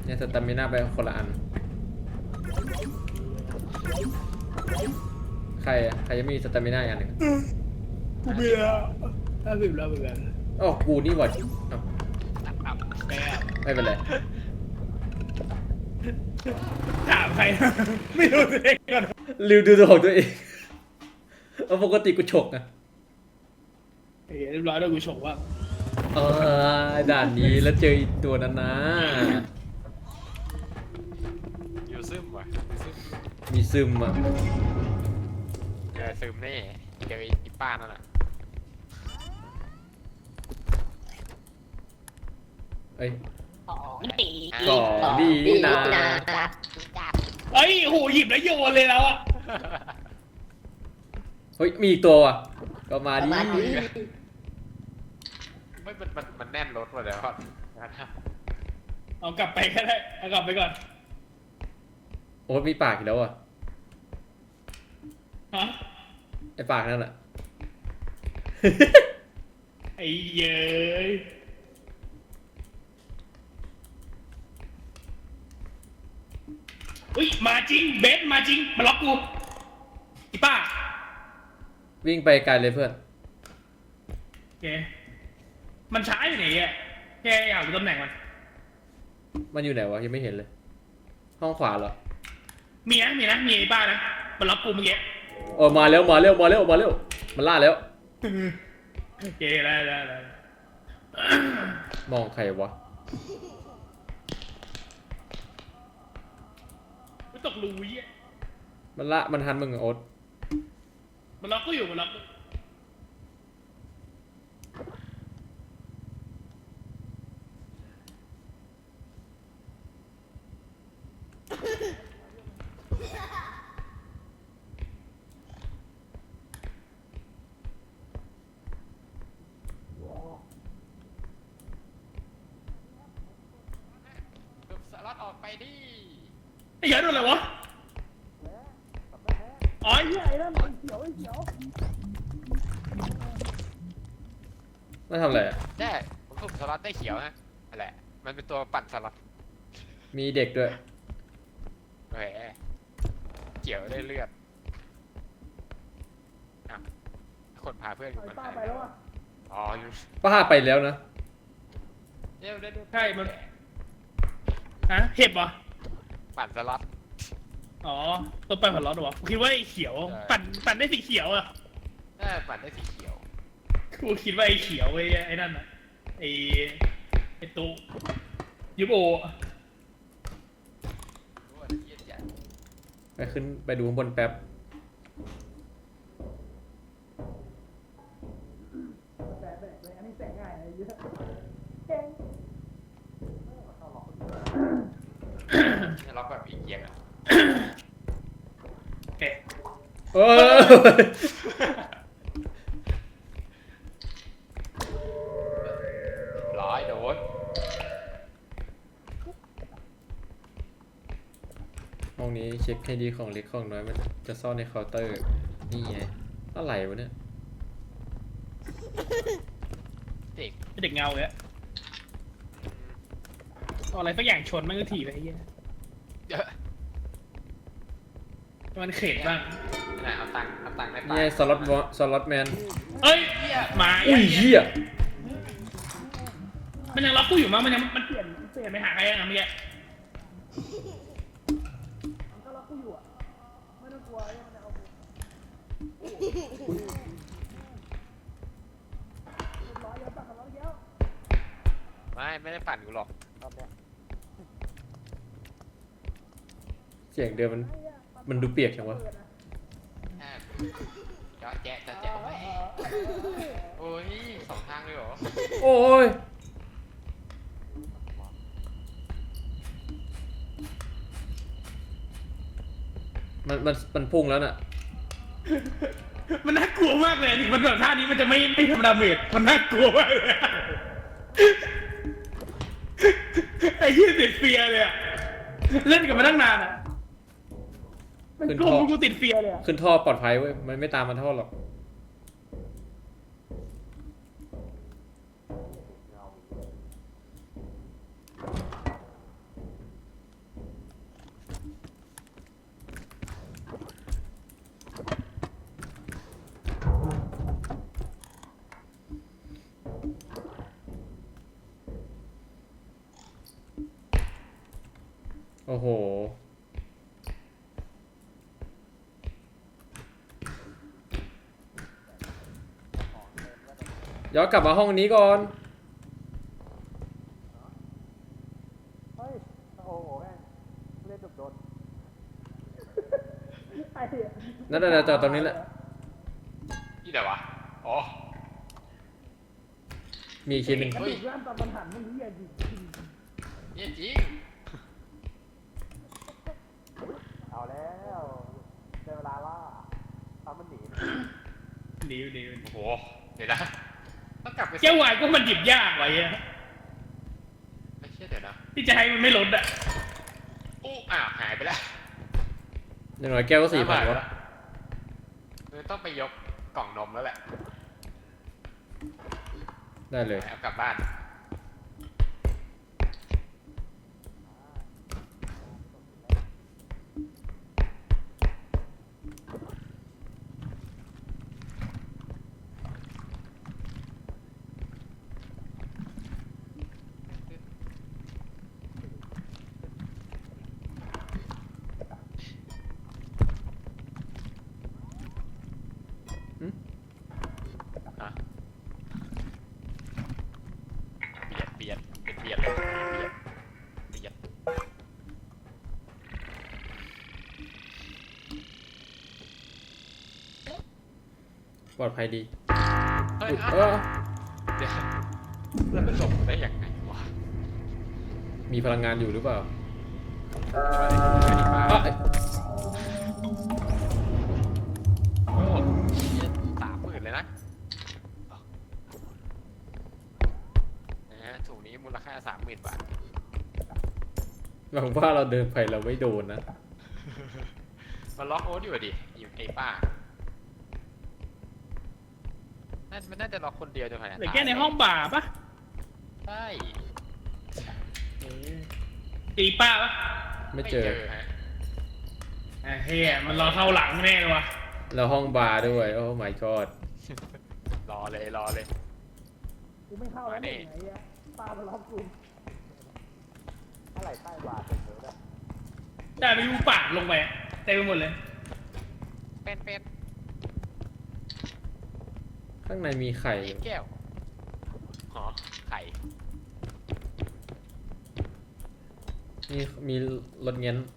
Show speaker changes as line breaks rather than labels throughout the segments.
เนี่ยสตามิน่าไปคนละอันใครจะมีสตามิน่าอย่างหนึ่ง
กูมีแล้ว50แล้วเหมือนกัน
อ๋อกูนี่หว่าเอ้า
แม่
ไม่เป็นไร
ถามใครไม่รู้ตัวเองก่อน
ลืมดูตัวของตัวเองเอาปกติกูฉกอะ
เรียบร้อยแล้วกูชมว่า
ด่านนี้แล้วเจออีกตัวนั้นนะ
อยู่ซึมว่ะซึม
มีซึมอ่ะ
ซึมแน่เจออีป้านั่นแหละ
เอ้ย
ของดี
ของดีนะ
เอ้ยโหหยิบแล้วโยนเลยแล้วอ่ะ
เฮ้ยมีอีกตัวอ่ะก็มาดิ
ไม่มันแน่นรถว่ะเดี๋ยวก่อน
เอากลับไปก็ได้เอากลับไปก่อน
โอ้มีปากอีกแล้วอ่ะ
ฮะ
ไอปากนั่นแหละ
ไอ้เย้ยอุ้ยมาจริงเบสมาจริงมาล็อกกูอีป้า
วิ่งไปไกลเลยเพื่อน
โอเคมันช้าอยู่ไหนอ่ะแกอยากรู้ตำแหน่งมัน
อยู่ไหนวะยังไม่เห็นเลย ห้องขวาเหรอ
มีไอ้ป้านะมันล็อกกูเมื่อกี้
โอ้มาแล้วมันล่าแล้ว
โอเคได้
มองใครวะ
ไม่ตกรูยี่
มันทันมึงอะโอ๊ต
มันล็อกกูอยู่มันล็อกกู
สล็อตออกไปดิ
ไอ้เหี้ยโดนอะไรวะอ๋อไอ้เหี้ยไอ้นั่นไอ้เขียว
มาทำอะไรอะ
ได้ผมสุ่มสล็อตได้เขียวฮะนั่นแหละมันเป็นตัวปั่นสล็อต
มีเด็กด้วย
แหมเขียวได้เลือดอ้าวคนพาเพื่อนกูมันหายไปแล้วอ๋ออยู่
ป้าไปแล้วนะ
เดี๋ยวได้ดู
ใช่มันฮะเห็บเหรอ
ปั่นสล็อต
อ๋อตัวปั่นผันร้อนเหรอวะกูคิดว่าไอ้เขียว
ใช่
ปั่นได้สีเขียวอ่ะ
ปั่นได้สีเขียว
กูคิดว่าไอ้เขียวไอ้นั่นอ่ะไอ้ตู้ยูโบ
รู้ว่าเยี่ยจัด
ไปดูข้างบนแป๊บ
ล็อกแบบอีกเกียงอ่ะ
โอเค
เออ
ร้อยโดน
ห้องนี้เช็คให้ดีของเล็กของน้อยมันจะซ่อนในเคาน์เตอร์ นี่ไงอะไรวะเนี่ย
เด็ก
ไอ้เด็กเงาเลยอะเอาอะไรสักอย่างชนมันก็ถีบไปไอ้เหี้ย
เยอะ
มันเข็ดบ้าง
ไหนเอาตังค์ได้
นี่ไงสล็อตแมน
เอ้ยมา
อุ้ยเหี้ย
มันยังล็อกกูอยู่มั้งมันเปลี่ยนไปหาใครยังไงเมื่อกี้มันก็ล็อกกูอยู่อ่ะไม่ต้องกลัวมันจะเอากูร้อยเยอะปะร้อยเยอะ
ไม่ได้ปั่นกูหรอกรอบเนี้ย
เสียงเดิมมันดูเปียกจังวะ
เจาะแจ๊ะโอ้ยสองทางเลยเหรอ
โอ้ยมันพุ่งแล้วน่ะ
มันน่ากลัวมากเลยถึงมันแบบท่านี้มันจะไม่ทำดาเมจมันน่ากลัวมากเลยไอ้ยี่ติดเฟียเลยอะเล่นกับมันตั้งนานอะมันกลัวกูติดเฟียเลยอะ
ขึ้นท่อปลอดภัยเว้ย มันไม่ตามมาท่อหรอก
เ
โอ้โหย้อนกลับมาห้องนี้ก่อน
เฮ้ย โอ้โหแม่งเล่นโดนไอ้
นั่นน่ะจอดตรงนี้แหละ
ที่ไหนวะ อ๋อ
มีอีกชิ้นหนึ่ง
กระดูกร่างตอนมันหันมันเหี้ยจริง
เนี่ยจริง
เอาแล้วได้เวลาล่าทำมันหนี
หนี
โอ้โห เดี๋ยวนะ ต้องกลับไป
แก้ววายก็มันหยิบยากไว้อะ
ไม่เชื่อเดี๋ยวนะ
ที่จะให้มันไม่ลดอะ
อู้อ้าวหายไปแล้ว
อย่างน้อยแก้วก็4,000วะ
ต้องไปยกกล่องนมแล้วแหละ
ได้เลย
เอากลับบ้าน ฮะเบียดเป็นเบียดเลยเบียด
ปลอดภัยดี
เฮ้ย
อุ๊ย
เดี๋ยวแล้วมันหลบได้ยังไงวะ
มีพลังงานอยู่หรือเปล่า
ไม่ได้มา
อ่ะเอ้ย
โอ้30,000เลยนะถุงนี้มูลค่า30,000 บาท
หวังว่าเราเดินไปเราไม่โดนนะ
มันล็อกโอ๊ตอยู่อะดิอยู่ไอ้ป้ามันน่าจะล็อกคนเดียวจนขนาด
เหลือแค่ในห้องบ่าปะ
ใช่
ตีป้าปะ
ไม่เจอ
ฮะ
ไอ้เฮียมันรอเข้าหลังแน่เลยวะ
แล้วห้องบาร์ด้วย โอ้ my god
รอเลย
กูไม่เข้าแล้ว
มานี่
ไอ้เหี้ยป้ามาล็อกกู
อะไรใต้บาทเป็นเยอะด้วย
ได้ไปดูปากลงไปเต็มไปหมดเลย
เป็น
ข้างในมีไข่
แก้วหอไข่
มีรถเงี้ยน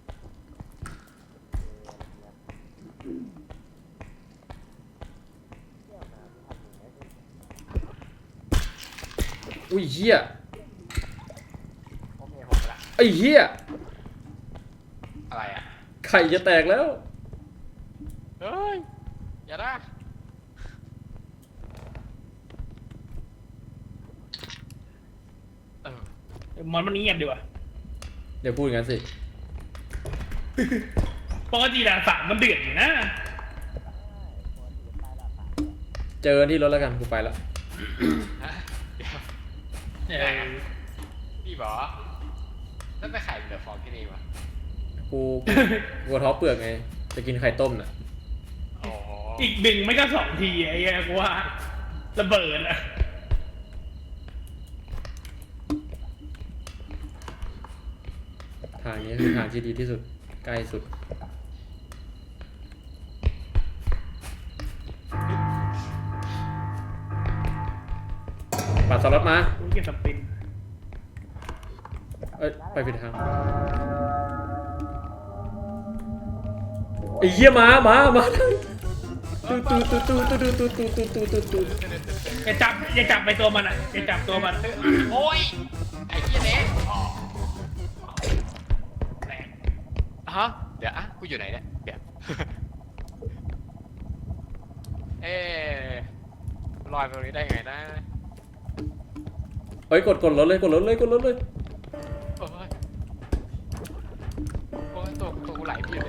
อุ้ยเหี้ย
โอเคผมละ
ไอ้เหี้ย
อะไรอ่ะ
ไข่จะแตกแล้ว
เฮ้ยอย่านะเออ
มันเงียบดีว่ะ
เดี๋ยวพูดอย่างนั้นสิ
ปกติด่านสามมันเดือดอยู่นะ
เจอกันที่รถแล้วกันกูไปแล้ว
ฮะเดี๋ยว
เออ
พี่บอกแล้วไปไข่เหลือฟองที่นี่วะ
กูท้อเปลือกไง จะกินไข่ต้มน่ะ
โอ้โห
อีกหนึ่งไม่ก็สองทีไอ้เหี้ยกูว่าระเบิดอะ
ทางนี้คือทางที่ดีที่สุด ใกล้สุด ปัดสล็อตมา
กูเก็บสปิน
เอ้ย ไปผิดทางไอ้เหี้ยมาตูตูตูตูตูตูตูตูตูตูตู
อย่าจับไปตัวมันอ่ะอย่าจับตัวมัน
โอ้ยไอ้เหี้ยเล็ก
แรง
ฮะเดี๋ยวอ่ะกูอยู่ไหนเนี่ยเดี๋ยว เอ๊ะลอยไปตรงนี้ได้ไงนะ
เฮ้ยกดรถเลย
โอ้ยโอ้ยตัวกูไหลพี่เลย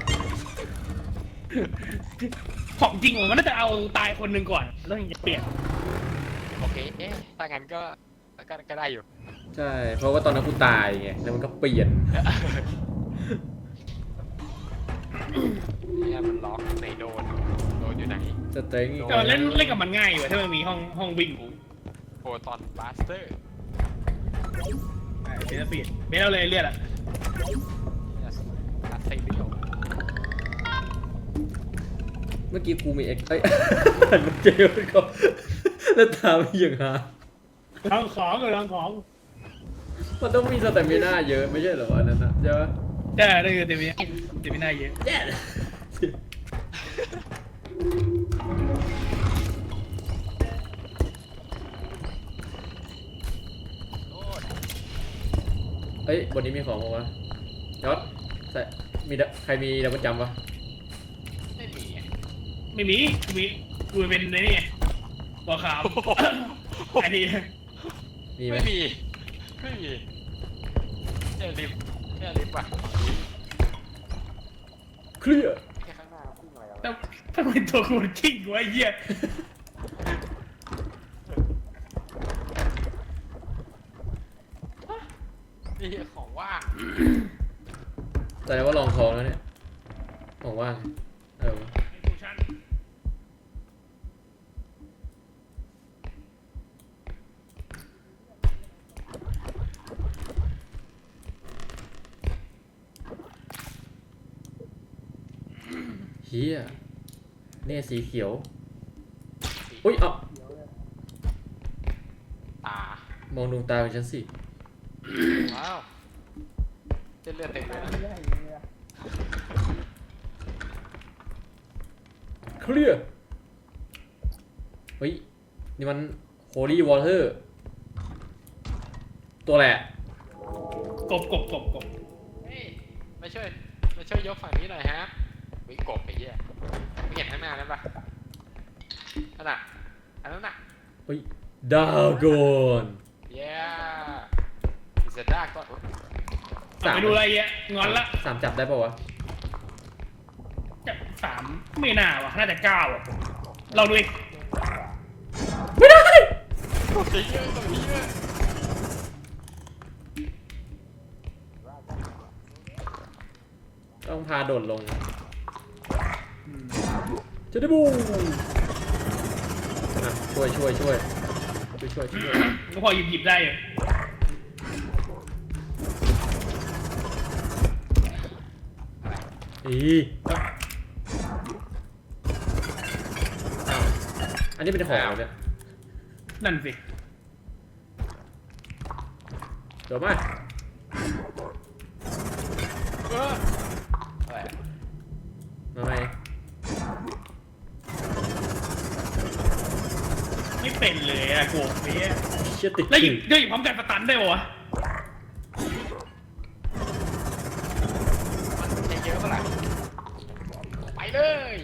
ของจริงมันน่าจะเอาตายคนหนึ่งก่อนแล้วถึงจะเปลี่ยน
โอเคเอ๊ะถ้างั้นก็ได้อยู่
ใช่ เพราะว่าตอนนั้นกูตายไง แล้วมันก็เปลี่ยน
เนี่ยมันล็อกไหนโดนอยู่ไหน
สเต็งอีก
แต่ว่าเล่นกับมันง่ายอยู่อะถ้ามันมีห้องวิ่ง
โปรตอนบาสเตอร์
เบสเปลี่ยนเบสเอาเลยเลือดอ่ะ
ใส่เลี้ยว
เมื่อกี้กูมีเอ็กเอ้ย หันมาเจอมันก็แล้วตามอย่างหา
ทางของกับทางของ
มันต้องมีสเตมิน่าเยอะไม่ใช่เหรออันนั้นนะใช่ปะ
ใช่ได้คือเต็มไม่น่าเยอะ
แย่
โอ้ย
เฮ้ยบนนี้มีของมั้วะยอดใส่มีใครมีดับเบิลจัมป์ปะ
ไม่มีอะ
ไม่มีกูเป็นไอ้นี่บัวขาวไอ้นี่
มีไหม
ไม่มีไม่มีเนี่ยลิฟต์เนี่ยลิฟต์ว่ะ
เคลียร์
แค่ข้างหน้า
แล้วถ้าเป็นตัวกูกิ้งกูไอ้เหี้ย
นี่ของว่าง
แสดงว่าลองทองแล้วเนี่ยของว่างเออ
กูชั้น
เฮียเนี่ยสีเขียวอุ้ยเอ้า
ตาม
องดวงตาของฉันสิ
ว้าวเส้นเลือดเต็มเลยนะ
เคลียร์เฮ้ยนี่มัน Holy Water ตัวแหละ
กบ
เฮ้ยมาช่วยยกฝั่งนี้หน่อยฮะวิกบไปเหี้ยไม่เห็นข้างหน้านั้นปะนั่นน่ะอันนั้นน่ะ
เฮ้ยดากอน
yeah it's a dark god
เอาไปดูอะไรเงี้ยงอนละ
สามจับได้ปะวะ
จะ3ไม่น่าว่ะน่าจะ9อ่ะลองดูอีก
ไม่ได้
ตรงนี้เยอะตรงนี้เยอะ
ต้องพาโดดลงจะได้บูอ่ะช่วย
ก็พอหยิบได้อยู่
อีอ้าวอันนี้เป็นของเนี่ย
นั่นสิ
เดี๋ยวมา
อะไรอะ
มาไหม
ไม่เป็นเลยอะโกบเนี่ย
เชี่ยติด
แล้วหยิ
ขื่
บ
อ
ได้หยิบพร้อมกันสตันได้ปะวะ
มันใช้เยอะเปะล่าไปเลย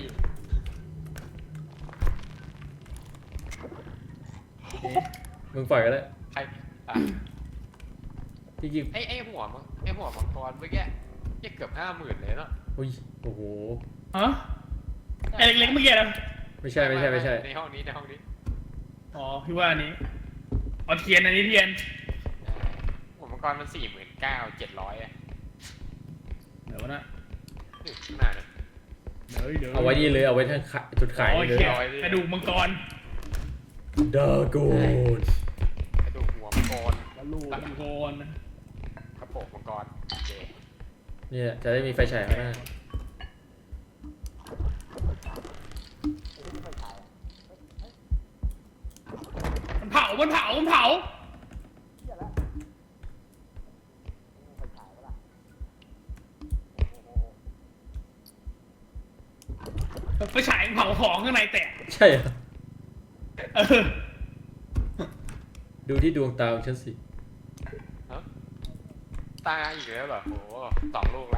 มึงปล่อยก็ได้
ใครอ่ะ
จริง
ไอ้หัวมังกรเมื่อกี้ยังเกือบ50,000เลยเนาะ
ๆอุ้ยโอ้โห
ฮะไอ้เล็กๆเมื่อกี้นะ
ไม่ใช่
ในห้องนี้
อ๋อพี่ว่าอันนี้เอาเทียนอันนี้เทียน
หัวมังกรมัน49,700อ่ะ
เดี๋ยวนะ
นี่ข้างหน้าเนี่ย
เดี๋ยว
เอาไว้นี่เลยเอาไว้ทางจุดขาย
โอ
นี่
เค
เลย
กระดูกมังกร
ดากอน
กระดูกหัวมังกร
กระดูกมังกร
กระโปรงมังกรโอเค
เนี่ยจะได้มีไฟฉายข้างหน้า
มันเผาไปฉายเผาของข้างในแตก
ใช่เหรอ
เออ
ดูที่ดวงตาของฉันสิ
ฮะตายอีกแล้วเหรอโห2 ลูกละ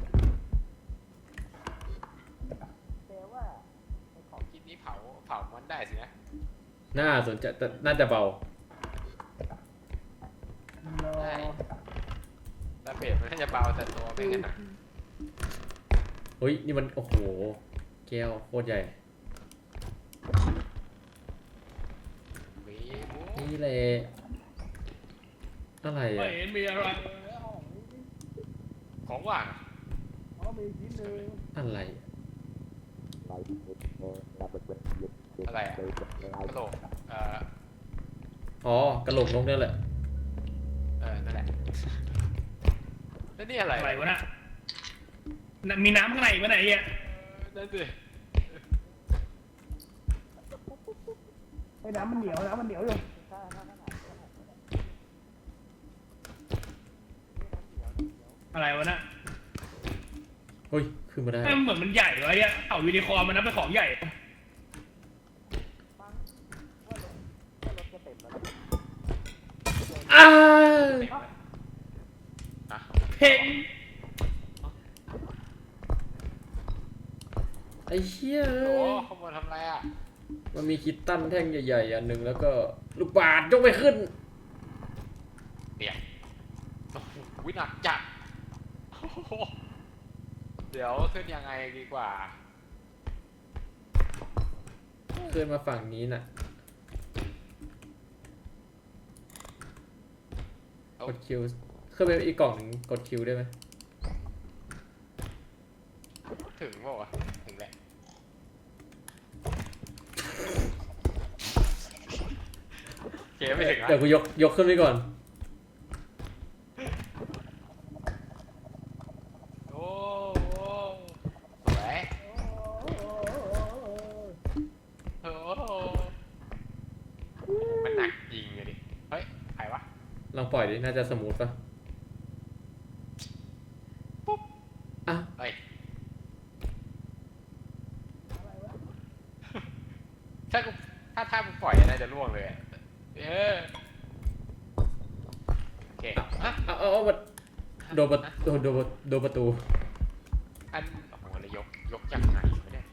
ของกินนี้เผามันได้สินะ
น่าสนใจแต่น่าจะเบา
ได้แต่เปรตมันน่าจะเบาแต่ตัวไม่กันหนัก
เฮ้ยนี่มันโอ้โหแก้วโคตรใหญ่
วีบู
นี่แหละอะไร
ไม่
อ่ะ
เห็นมีอะไร
ของว่าง
อะไร
อะไรอะกระโหลก
อ๋อกระโหลกนกเนี่ยแหละ
นั่นแหละแล้วนี่อะไร
อะไรวะน่ะมีน้ำข้างในปะไหนอ่ะ
นั่นสิ
ไอ้น้ำมันเหนียวน้ำมันเหนียวอยู่ อะไรวะน่ะ
เฮ้ยขึ้นมาได้
มันเหมือนมันใหญ่วะเนี่ยเอายูนิคอร์นมันนับเป็นของใหญ่
อ้า
อ่ะ
เพ่ง
ไอ้เหี้ย
โอ้ขโมยทำไรอ่ะ
มันมีคิตตันแท่งใหญ่ๆอันหนึ่งแล้วก็ลูกบาศก์ยกไม่ขึ้น
เดี๋ยวโอ้โหหนักจัดโอ้โหเดี๋ยวขึ้นยังไงดีกว่า
ขึ้นมาฝั่งนี้น่ะ กดคิวขึ้นไปอีกกล่องหนึ่งกดคิวได้ไหม
ถึงเปล่าวะถึงแหละเก๋ไม่ถึงอ่ะ
เดี๋ยวกูยกขึ้นไปก่อน
โอ้โหสวยโอ้โหมันหนักจริงเลยดิ เฮ้ยใครวะ
ลองปล่อยดิ น่าจะสมูทป่ะอ่ะ
เฮ้ยถ้ามึงปล่อยอะไรจะล่วงเลยอะโอเคอ่ะ
เอามาโดนประตู
อันโอ้โหแล้วยกยังไงไม่ได้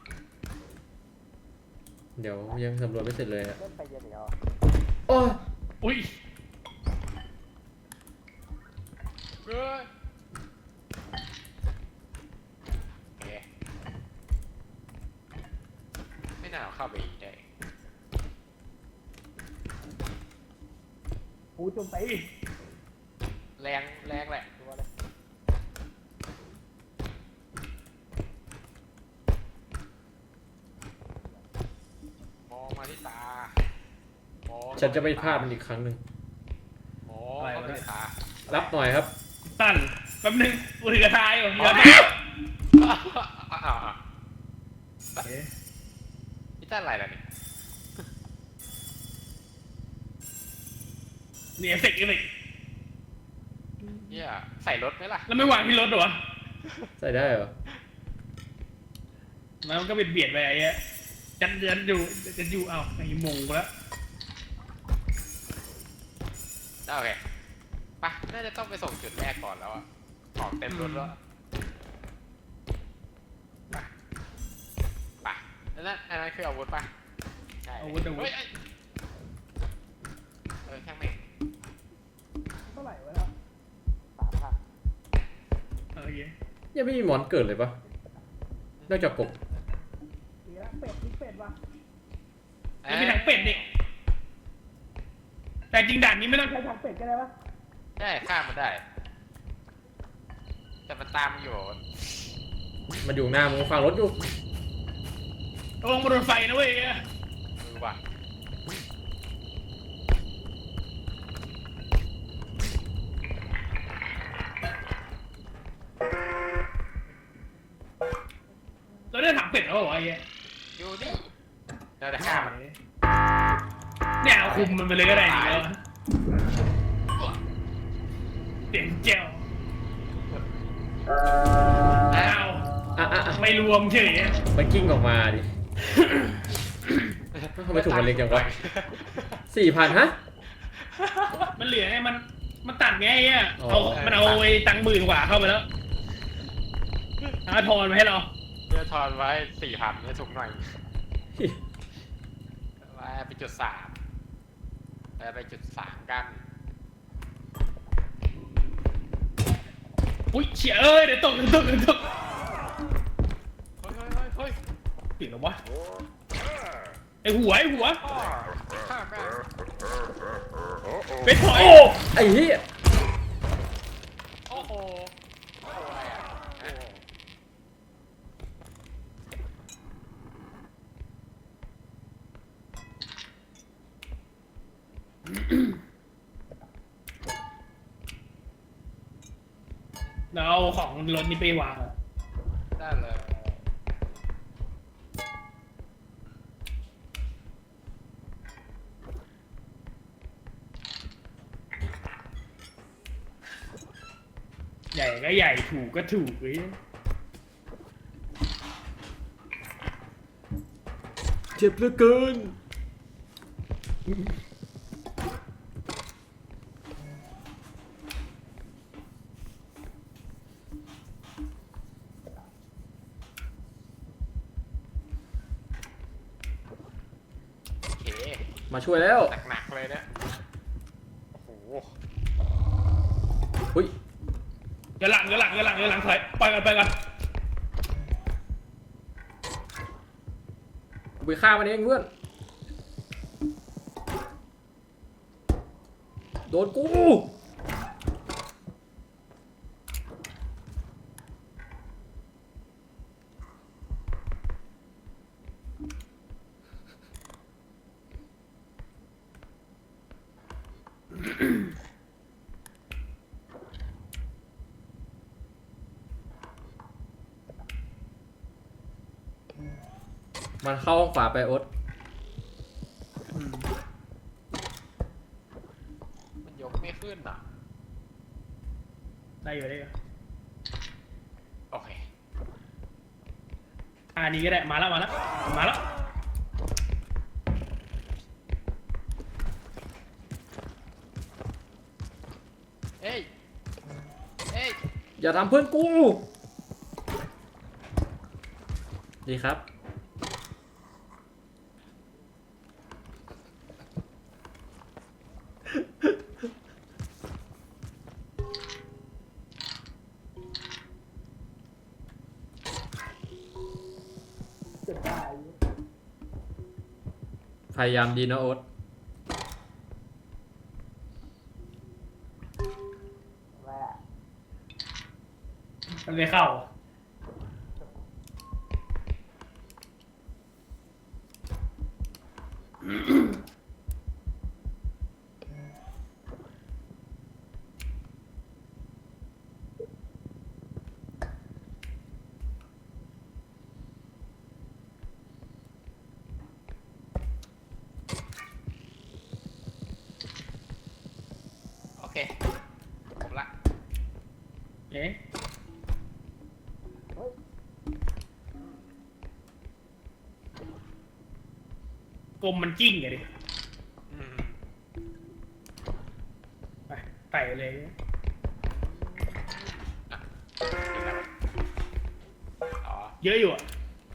เดี๋ยวยังสำรวจไม่เสร็จเลยอ่ะ
เล่นไปเย็นเดียว
โอ้ย
อุ้ย
เฮ้ยโอเคไม่น่าเอาเข้าไปอีกได้
หูจุ่มไป
แรงแหละดูว่าเลยมองมาที่ตามอง
ฉันจะไม่พลาดมันอีกครั้งหนึ่ง
มองเข้าไปที่ตา
รับหน่อยครับ
ตั้นแป๊บนึงกูถือกระทายอยู่
อ๋อ
เดี๋ยว
นี่ตั้นอะไรล่ะเนี่ย
นี่เอฟเฟกต์
เนี่ยใส่รถไหมล่ะ
แล้วไม่วางที่รถเหรอ
ใส่ได้เหรอ
มันก็เบียดไปไอ้เงี้ยจันอยู่เอาไอ้มงกูแล้ว
โอเคไปน่าจะต้องไปส่งจุดแรกก่อนแล้วอะของเต็มรถแล้วไปอันนั้นคืออาวุธป่ะใช่
อาวุธ
เฮ้ยช่างแม่ง
เท่าไหร่วะแล้ว
3,000
โอเค
ยังไม่มีหมอนเกิดเลยปะนอกจากกบ
เป็ดว่ะยังมีถังเป็ดดิแต่จริงด่านนี้ไม่ต้องใช้ถังเป็ดก็ได้ปะ
ใช่ข้ามมันได้ แต่มันตามอยู่
มันอยู่หน้ามึงฟังรถอยู่
ระวังมาโดนไฟนะเว้ย
มือว่ะ
เราได้ถังเป็ดแล้วเหรอไอ้เงี้ย
อยู่นี่เราจะข้ามมัน
เนี่ยเอาคุมมันไปเลยก็ได้นี่แล้วเสียงแจ้วอ้าว
อ่ะ
ไม่รวมเฉย
มันกิ้งออกมาดิ ทำไมถุงมันเล็กจังวะ 4,000 ฮะ
มันเหลือไงมันตัดไงไอ้เงี้ย
อ๋อ
มันเอาไอ้ตังค์10,000 กว่าเข้าไปแล้วทอนมาให้เรา
เพื่อทอนไว้4,000ให้ถุงหน่อยไปจุด3ไปจุด3กัน
อุ้ยเฉียเดี๋ยวตก
เฮ้ย
ปิดแล้ววะไอ้หัว
ข้ามแม่ง
เป็นถอย
โอ้ ไอ้เหี้ย
โอ้โหอะไรอ่ะ
เราเอาของรถนี้ไปวาง
ได้เลย
ใหญ่ก็ใหญ่ถูกก็ถูกเว้ย
เจ็บเหลือเกิน
โอเค
มาช่วยแล้ว
หนักๆเลยเนี่ยโอ้โห
อุ้ย
เดี๋ยวหลังถอยไปกัน
กูไปฆ่ามันเองเพื่อน โดนกู มันเข้าห้องขวาไปโอ๊ต
มันยกไม่ขึ้นอ่ะ
ได้อยู่
โอเค
อันนี้ก็ได้มาแล้ว
เฮ้ย เฮ้ย
อย่าทำเพื่อนกู ดีครับ พยายามดีนะโอ๊ต
แม่
มันไม่เข้า
โอเคผมละ
เอ๊ะกลมมันจิ้งไงดิ
อืม
ไปไต่เลย
อ่ะนี่อะไรวะอ๋อ
เยอะอยู่อ่ะ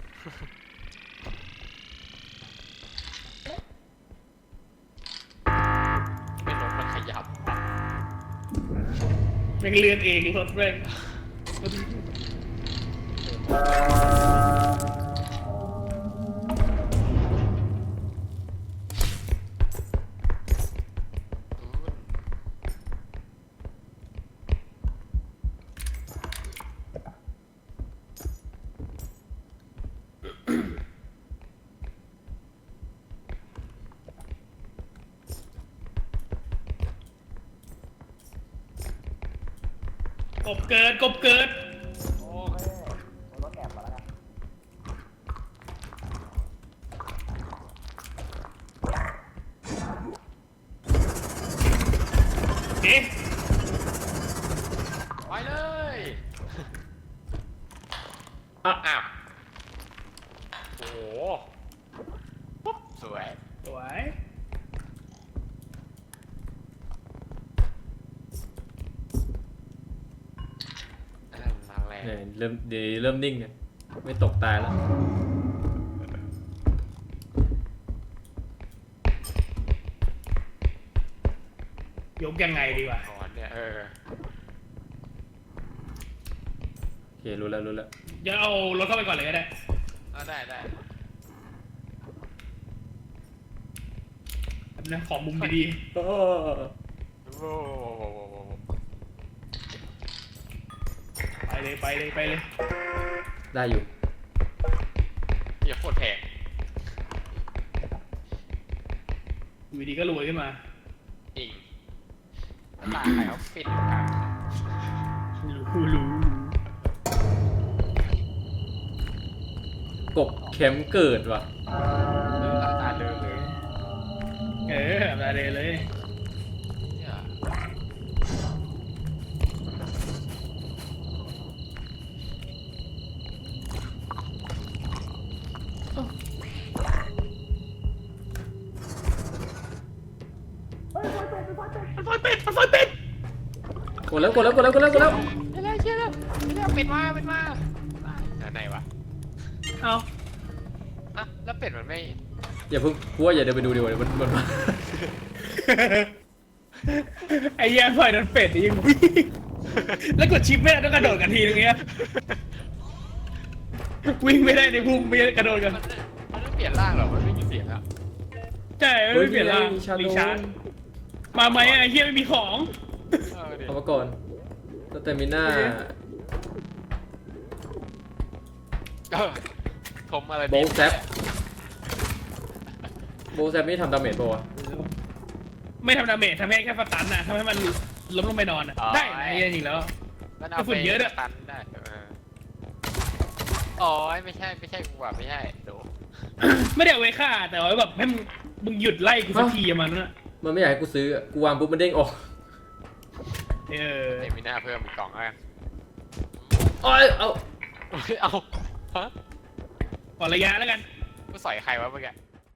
ไม่รถมันขยับ
แม่งเลื่อนเองรถแม่ง กบเกิด
โอเคเอารถแอบมาแล้วกัน
เอ๊ะ
ไปเลย
อ่ะ
อ้าวโอ้โหปุ๊บสวย
สวย
มาแรง
เนี่ยเริ่มนิ่งเนี่ยไม่ตกตายแล้ว
ยกยังไงดีวะ
ก่อนเนี่ย
โอเค รู้แล้ว
เดี๋ยวเอารถเข้าไปก่อนเลยก็ได้
เอาได้
แบบนะขอมุมดี
โอ้โห
ๆ ไปเลย
ได้อยู่
เหี้ยโคตรแพง
อยู่ดีก็รวยขึ้นมา
จริงตาใครเขาปิดทาง
รู้
กบแคมป์เกิดว่ะ
หลังตาเดินเลย
อะไรเลย
เนี่ย
มันไฟเป็ด
กดแล้ว
เชื่อแล้วปิดมาไหนวะ
เอา
อ่ะแล้วเป็ดมันไม่
อย่าเพิ่งกลัวอย่าเดินไปดูดีกว่าเดี๋ยวมันมา
ไอ้เหี้ยไฟโดนเป็ดยิงวิ่งแล้วกดชิปไม่ได้ต้องกระโดดกันทีนึงเงี้ยวิ่งไม่ได้ในพุ่งไม่ได้กระโดดกัน
มันไม่เปลี่ยนร่างหรอมันไม่มีเสียงอ่ะ
ใช่ไม่เปลี่ยนร่าง
มีชาโด
รีชาร์จมาไหมไอ้เหี้ยไม่มีของ
เดี๋ยว
เอามาก่อนสเตมิน่า
ทมอะไร
โบว์แซปนี่ทำดาเมจป่าวะ
ไม่ทำดาเมจทำให้แค่สตันนะทำให้มันล้มลงไปนอนอะได้ไอ้เหี้ยจริงแล้ว
มันเอาไปตันได้อ๋อไม่ใช่กูว่าไม่ใช่โด
ไม่ได้เอาไว้ฆ่าแต่ว่าแบบให้มึงหยุดไล่กูสักทีอะมันน่ะ
มันไม่อยากให้กูซื้ออะกูวางปุ๊บมันเด้งออก
เออ
เดี๋ยวมีหน้าเพิ่มอีกกล่องอ่ะ
เอา
เอาฮะ
ขอระยะแล้วกัน
กูสอยใครวะเมื่อกี้